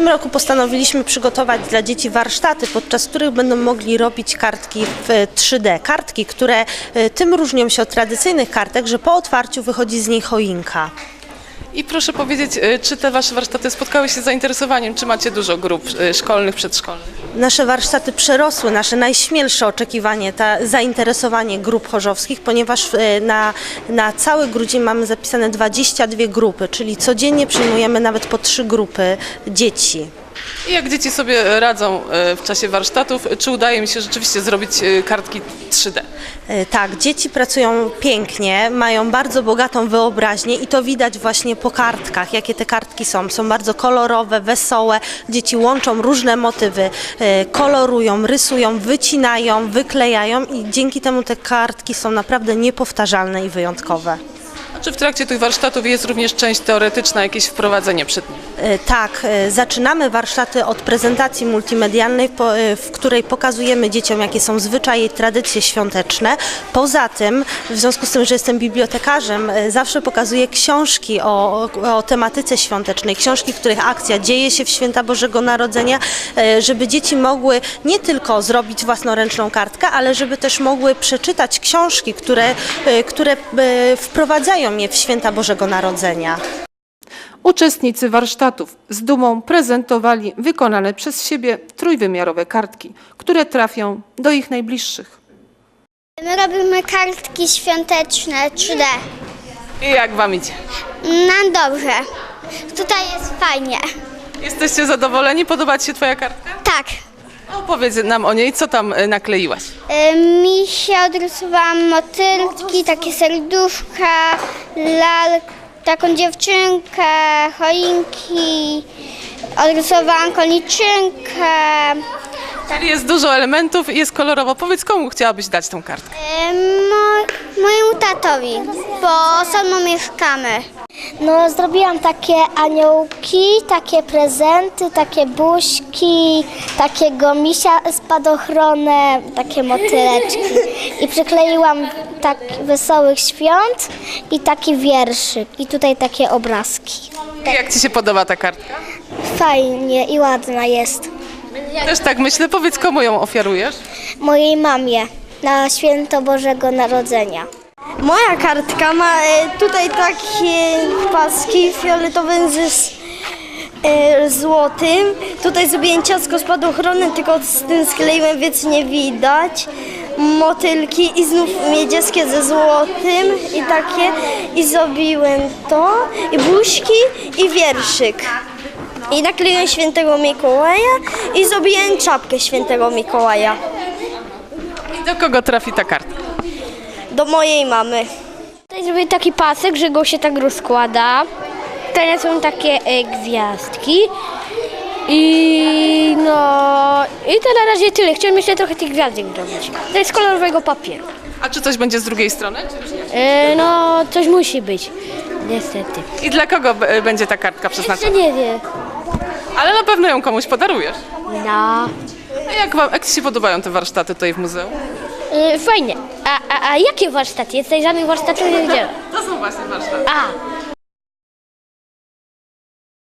tym roku postanowiliśmy przygotować dla dzieci warsztaty, podczas których będą mogli robić kartki w 3D. Kartki, które tym różnią się od tradycyjnych kartek, że po otwarciu wychodzi z niej choinka. I proszę powiedzieć, czy te wasze warsztaty spotkały się z zainteresowaniem? Czy macie dużo grup szkolnych, przedszkolnych? Nasze warsztaty przerosły nasze najśmielsze oczekiwanie, zainteresowanie grup chorzowskich, ponieważ na cały grudzień mamy zapisane 22 grupy, czyli codziennie przyjmujemy nawet po 3 grupy dzieci. I jak dzieci sobie radzą w czasie warsztatów? Czy udaje mi się rzeczywiście zrobić kartki 3D? Tak, dzieci pracują pięknie, mają bardzo bogatą wyobraźnię i to widać właśnie po kartkach, jakie te kartki są. Są bardzo kolorowe, wesołe, dzieci łączą różne motywy, kolorują, rysują, wycinają, wyklejają i dzięki temu te kartki są naprawdę niepowtarzalne i wyjątkowe. Czy w trakcie tych warsztatów jest również część teoretyczna, jakieś wprowadzenie przed nimi? Tak, zaczynamy warsztaty od prezentacji multimedialnej, w której pokazujemy dzieciom, jakie są zwyczaje i tradycje świąteczne. Poza tym, w związku z tym, że jestem bibliotekarzem, zawsze pokazuję książki o tematyce świątecznej, książki, których akcja dzieje się w święta Bożego Narodzenia, żeby dzieci mogły nie tylko zrobić własnoręczną kartkę, ale żeby też mogły przeczytać książki, które wprowadzają je w święta Bożego Narodzenia. Uczestnicy warsztatów z dumą prezentowali wykonane przez siebie trójwymiarowe kartki, które trafią do ich najbliższych. My robimy kartki świąteczne 3D. I jak wam idzie? Nam dobrze. Tutaj jest fajnie. Jesteście zadowoleni? Podoba ci się twoja kartka? Tak. Opowiedz nam o niej, co tam nakleiłaś? Mi się odrysowałam motylki, takie serduszka, taką dziewczynkę, choinki, odrysowałam koniczynkę. Czyli jest dużo elementów i jest kolorowo. Powiedz, komu chciałabyś dać tą kartkę? Mojemu tatowi, bo samą mieszkamy. No, zrobiłam takie aniołki, takie prezenty, takie buźki, takiego misia spadochronem, takie motyleczki. I przykleiłam tak wesołych świąt i taki wierszyk. I tutaj takie obrazki. I jak ci się podoba ta kartka? Fajnie i ładna jest. Też tak myślę. Powiedz, komu ją ofiarujesz? Mojej mamie na święto Bożego Narodzenia. Moja kartka ma tutaj takie paski fioletowe z złotym. Tutaj zrobiłem ciastko spadochronem, tylko z tym skleiłem, więc nie widać. Motylki i znów niebieskie ze złotym i takie. I zrobiłem to, i buźki, i wierszyk. I nakleiłem świętego Mikołaja i zrobiłem czapkę świętego Mikołaja. I do kogo trafi ta kartka? Do mojej mamy. Tutaj zrobię taki pasek, że go się tak rozkłada. Tutaj są takie gwiazdki. I to na razie tyle. Chciałem jeszcze trochę tych gwiazdek zrobić. To jest kolorowego papieru. A czy coś będzie z drugiej strony? Czy już nie? Coś musi być. Niestety. I dla kogo będzie ta kartka Jeszcze przeznaczona? nie wiem. Ale na pewno ją komuś podarujesz. No. A jak ci się podobają te warsztaty tutaj w muzeum? Fajnie. A jakie warsztaty? Jest tutaj żadnych warsztatów nie widziałem. To są właśnie warsztaty. A,